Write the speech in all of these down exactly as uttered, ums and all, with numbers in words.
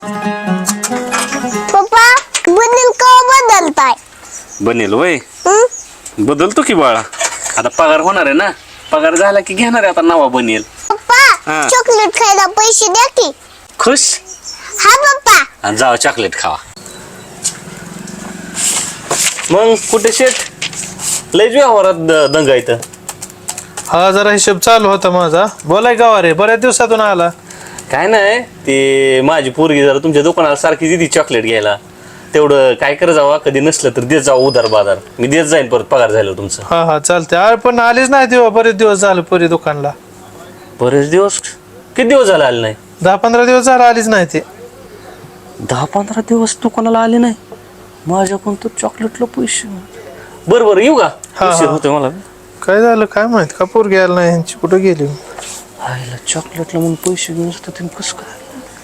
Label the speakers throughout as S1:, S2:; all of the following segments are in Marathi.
S1: पप्पा बनेल का बदलताय?
S2: बनेल वय
S1: हं?
S2: बदलतो की बाळा. आता पगार होणार आहे ना. पगार झाला की घेणार आहे आता नवा बनेल.
S1: पप्पा
S2: हा.
S1: चॉकलेट खायला पैसे द्या की.
S2: खुश
S1: हा पप्पा.
S2: आणि जावा चॉकलेट खावा. मग कुठे शेट लयच व्यवहारात द- दंगा इथं.
S3: हा जरा हिशोब चालू होता माझा. बोलाय गावा रे, बऱ्याच दिवसातून आला.
S2: काय नाही ते माझी पोरगी जरा तुमच्या दुकानाला सारखी दिली चॉकलेट घ्यायला. तेवढं काय कर जावा, कधी नसलं तर देत जावा उधार बाजार. मी देत जाईन परत पगार झालं तुमचं.
S3: हा हा चालते. अरे पण आलीच नाही तेव्हा, बरेच दिवस झाले पुरी दुकानला.
S2: बरेच दिवस किती दिवस झाले आले नाही?
S3: दहा पंधरा दिवस झाला आलीच नाही ते.
S2: दहा पंधरा दिवस दुकानाला आले नाही. माझ्याकडून तर चॉकलेटला पैसे. बरं बरं येऊ का?
S3: हा,
S2: उशीर
S3: हा.
S2: होतोय मला.
S3: काय झालं काय माहित, का पोर घ्यायला नाही ह्यांची, कुठं गेली?
S2: आईला चॉकलेटला म्हणून पैसे घेऊन असतात ते कसं काय?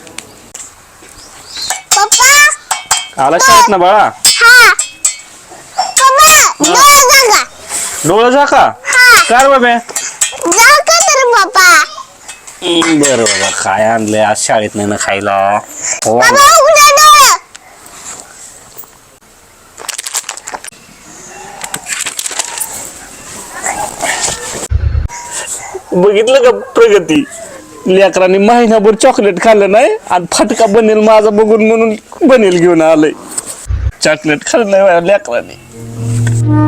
S1: पप्पा
S2: आला शाळेत ना बाळा.
S1: हा. पप्पा डोळा जागा.
S2: डोळा जा का?
S1: हा.
S2: काय बाबा?
S1: जा का तर पप्पा.
S2: बरं बाबा काय आणलंय आज शाळेत नाही ना खायला. हो.
S1: पप्पा उघडा डोळा.
S2: बघितलं का प्रगती? लेकरांनी महिनाभर चॉकलेट खाल्लं नाही आणि फटका बनेल माझा बघून म्हणून बनेल घेऊन आलंय. चॉकलेट खाल्लं नाही लेकरांनी.